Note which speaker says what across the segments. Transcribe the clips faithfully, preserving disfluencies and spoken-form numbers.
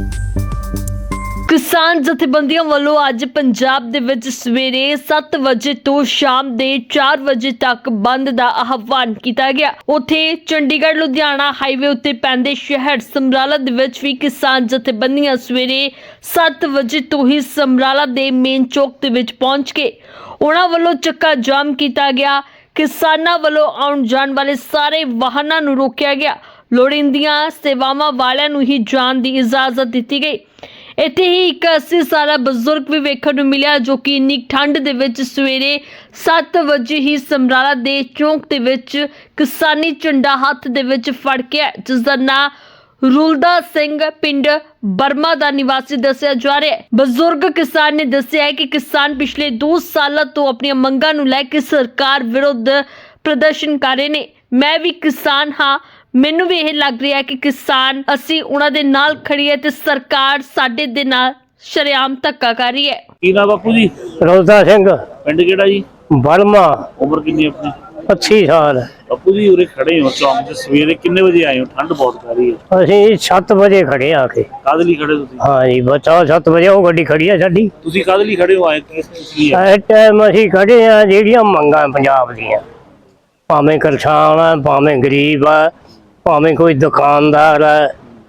Speaker 1: किसान जथेबंदियों वालों अज पंजाब दे विच सवेरे सत्त वजे तो शाम दे चार वजे तक बंद दा आह्वान किया गया। उत्थे चंडीगढ़ लुधियाना हाईवे उत्ते पैंदे शहर समराला दे विच भी किसान जथेबंदियां सवेरे सत्त वजे तो ही समराला दे मेन चौक दे विच पहुंच के उन्हां वालों चक्का जाम किया गया। किसानां वालों आउण जाण वाले सारे वाहनां नूं रोकिया गया। लोड़ींदियां सेवावां वालियां नूं ही जाण दी इजाजत दित्ती गई। इत्थे ही एक अस्सी साला बजुर्ग भी वेखण नूं मिलिया जो कि इन्नी ठंड दे विच सवेरे सत्त वजे ही समराला दे चौक दे विच किसानी झंडा हत्थ दे विच फड़ के जिसदा नां रुलदा सिंह पिंड बर्मा दा निवासी दस्सिया जा रहा है। बजुर्ग किसान ने दस्सिया है कि किसान पिछले दो साल तो अपनी मंगां नूं लै के सरकार विरुद्ध प्रदर्शन कर रहे ने। मैं भी किसान हाँ, मैनू भी यह लग रहा है कि किसान असी उन्हां दे नाल खड़ी है ते सरकार साडे दे नाल शरेआम धक्का कर रही है।
Speaker 2: की नाम बापू जी?
Speaker 3: रुलदा सिंह
Speaker 2: पिंड किहड़ा जी?
Speaker 3: बर्मा।
Speaker 2: उम्र कितनी अपनी?
Speaker 3: अस्सी साल।
Speaker 2: बापू जी उरे खड़े हो चौक ते सवेरे किन्ने बजे आए हो? ठंड बहुत कर रही है।
Speaker 3: ਅਸੀਂ सत्त वजे खड़े आके।
Speaker 2: काहदे लई खड़े तुसीं?
Speaker 3: हाँ जी बचा सत्त वजे ਉਹ ਗੱਡੀ ਖੜੀ ਆ ਸਾਡੀ।
Speaker 2: ਤੁਸੀਂ ਕਾਹਦੇ ਲਈ ਖੜੇ ਹੋ? ਆਏ ਕਿਸ ਕਿਸ ਲਈ ਆਏ?
Speaker 3: ਇਸ ਟਾਈਮ ਅਸੀਂ ਖੜੇ ਆ ਜਿਹੜੀਆਂ ਮੰਗਾਂ ਪੰਜਾਬ ਦੀਆਂ, ਭਾਵੇਂ ਕਿਸਾਨ ਆ ਭਾਵੇਂ ਗਰੀਬ ਆ ਭਾਵੇਂ ਕੋਈ ਦੁਕਾਨਦਾਰ ਆ,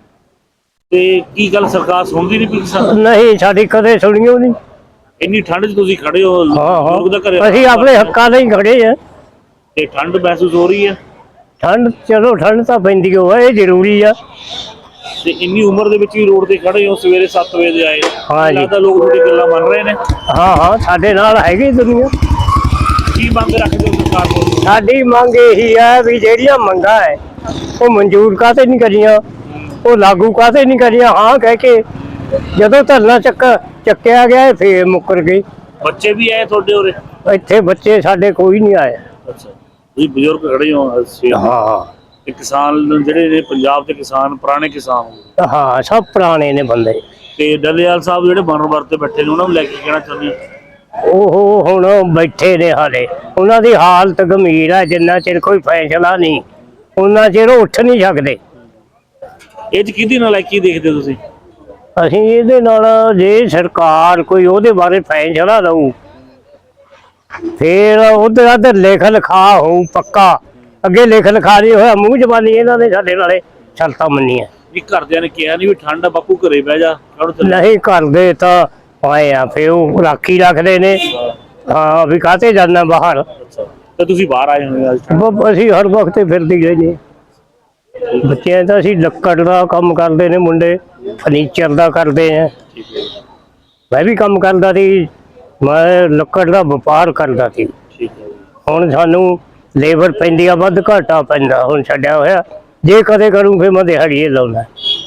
Speaker 2: ਤੇ ਕੀ ਗੱਲ ਸਰਕਾਰ ਸੁਣਦੀ ਨਹੀਂ ਪਈ ਕਿਸਾਨ?
Speaker 3: ਨਹੀਂ ਸਾਡੀ ਕਦੇ ਸੁਣੀਓ ਨਹੀਂ।
Speaker 2: ਇੰਨੀ ਠੰਡ 'ਚ ਤੁਸੀਂ ਖੜੇ ਹੋ,
Speaker 3: ਹਾਂ
Speaker 2: ਲੋਕ ਦਾ ਘਰੇ
Speaker 3: ਹਾਂ ਅਸੀਂ ਆਪਣੇ ਹੱਕਾਂ ਲਈ ਖੜੇ ਆ।
Speaker 2: ਤੇ ਠੰਡ ਮਹਿਸੂਸ ਹੋ ਰਹੀ ਹੈ?
Speaker 3: ਠੰਡ ਚਲੋ ਠੰਡ ਤਾਂ ਪੈਂਦੀ ਓ ਆ, ਇਹ ਜ਼ਰੂਰੀ ਆ।
Speaker 2: ਤੇ ਇੰਨੀ ਉਮਰ ਦੇ ਵਿੱਚ ਵੀ ਰੋਡ ਤੇ ਖੜੇ ਹੋ, ਸਵੇਰੇ ਸੱਤ ਵਜੇ ਆਏ।
Speaker 3: ਹਾਂ ਜੀ।
Speaker 2: ਲੱਗਦਾ ਲੋਕ ਤੁਹਾਡੀ ਗੱਲਾਂ ਮੰਨ ਰਹੇ ਨੇ।
Speaker 3: ਹਾਂ ਹਾਂ ਸਾਡੇ ਨਾਲ ਹੈਗੀ ਦੁਨੀਆ।
Speaker 2: ਕੀ ਮੰਗ ਰੱਖਦੇ ਹੋ ਸਰਕਾਰ ਕੋਲ?
Speaker 3: ਸਾਡੀ ਮੰਗ ਇਹੀ ਹੈ ਵੀ ਜਿਹੜੀਆਂ ਮੰਗਾਂ ਹੈ ਉਹ ਮਨਜ਼ੂਰ ਕਾਹਤੇ ਨਹੀਂ ਕਰੀਆਂ, ਉਹ ਲਾਗੂ ਕਾਹਤੇ ਨਹੀਂ ਕਰੀਆਂ। ਹਾਂ ਕਹਿ ਕੇ ਜਦੋਂ ਧਰਨਾ ਚੱਕ ਚੱਕਿਆ ਗਿਆ ਫੇਰ ਮੁੱਕਰ ਗਏ।
Speaker 2: ਬੱਚੇ ਵੀ ਆਏ ਤੁਹਾਡੇ ਉਰੇ?
Speaker 3: ਇੱਥੇ ਬੱਚੇ ਸਾਡੇ ਕੋਈ ਨਹੀਂ ਆਏ।
Speaker 2: ਅੱਛਾ, ਤੁਸੀਂ ਬਜ਼ੁਰਗ ਖੜੇ ਹੋ ਸਵੇਰ ਦੇ।
Speaker 3: ਹਾਂ
Speaker 2: ਤੇ ਕਿਸਾਨ ਜਿਹੜੇ ਨੇ ਪੰਜਾਬ ਦੇ ਕਿਸਾਨ ਪੁਰਾਣੇ ਕਿਸਾਨ ਹੋ,
Speaker 3: ਹਾਂ ਸਭ ਪੁਰਾਣੇ ਨੇ ਬੰਦੇ।
Speaker 2: ਤੇ ਡੱਲੇਵਾਲ ਸਾਹਿਬ ਜਿਹੜੇ ਬਨਰਵਰ ਤੇ ਬੈਠੇ ਨੇ ਉਹਨਾਂ ਨੂੰ ਲੈ ਕੇ ਕਹਿਣਾ ਚਾਹੁੰਦੇ ਹੋ?
Speaker 3: ਉਹ ਹੁਣ ਬੈਠੇ ਨੇ ਹਾਲੇ, ਉਹਨਾਂ ਦੀ ਹਾਲਤ ਗੰਭੀਰ ਹੈ। ਜਿੰਨਾ ਚਿਰ ਕੋਈ ਫੈਸਲਾ ਨਹੀਂ ਉਹਨਾਂ ਚਿਰ ਉੱਠ ਨਹੀਂ ਸਕਦੇ।
Speaker 2: ਇਹ 'ਚ ਕਿਹਦੀ ਨਲਾਇਕੀ ਦੇਖਦੇ ਹੋ ਤੁਸੀਂ?
Speaker 3: ਅਸੀਂ ਇਹਦੇ ਨਾਲ ਜੇ ਸਰਕਾਰ ਕੋਈ ਉਹਦੇ ਬਾਰੇ ਫੈਸਲਾ ਲਊ ਫੇਰ ਉਧਰ ਉਧਰ ਲਿਖ ਲਿਖਾ ਹੋਊ ਪੱਕਾ। ਅੱਗੇ ਲਿਖ ਲਿਖਾ ਨਹੀਂ ਹੋਇਆ, ਮੂੰਹ ਜ਼ਬਾਨੀ ਇਹਨਾਂ ਨੇ ਸਾਡੇ ਨਾਲੇ ਸ਼ਰਤਾਂ ਮੰਨੀਆਂ।
Speaker 2: ਵੀ ਘਰਦਿਆਂ ਨੇ ਕਿਹਾ ਨਹੀਂ ਵੀ ਠੰਡ ਆ ਬਾਪੂ ਘਰੇ ਬਹਿ ਜਾ?
Speaker 3: ਨਹੀਂ ਕਰਦੇ ਤਾਂ ਆਏ ਆ ਫੇਰ ਉਹ ਰਾਖੀ ਰੱਖਦੇ ਨੇ। ਹਾਂ ਵੀ ਕਾਹਤੇ ਜਾਣਾ ਬਾਹਰ।
Speaker 2: ਅੱਛਾ, ਤੇ ਤੁਸੀਂ ਬਾਹਰ ਆਏ ਹੋਏ ਅੱਜ?
Speaker 3: ਬ- ਅਸੀਂ ਹਰ ਵਕਤ ਫਿਰਦੇ ਹੀ ਰਹਿੰਦੇ। ਬੱਚਿਆਂ ਦਾ ਅਸੀਂ ਲੱਕੜ ਦਾ ਕੰਮ ਕਰਦੇ ਨੇ, ਮੁੰਡੇ ਫਰਨੀਚਰ ਦਾ ਕਰਦੇ ਆ।
Speaker 2: ਠੀਕ ਹੈ,
Speaker 3: ਮੈਂ ਵੀ ਕੰਮ ਕਰਦਾ ਸੀ, ਮੈਂ ਲੱਕੜ ਦਾ ਵਪਾਰ ਕਰਦਾ ਸੀ।
Speaker 2: ਠੀਕ ਹੈ।
Speaker 3: ਹੁਣ ਸਾਨੂੰ ਲੇਬਰ ਪੈਂਦੀ ਆ, ਵੱਧ ਘਾਟਾ ਪੈਂਦਾ ਹੁਣ ਛੱਡਿਆ ਹੋਇਆ। ਜੇ ਕਦੇ ਕਰੂੰ ਫਿਰ ਮੈਂ ਦਿਹਾੜੀਏ ਲਾਉਣਾ।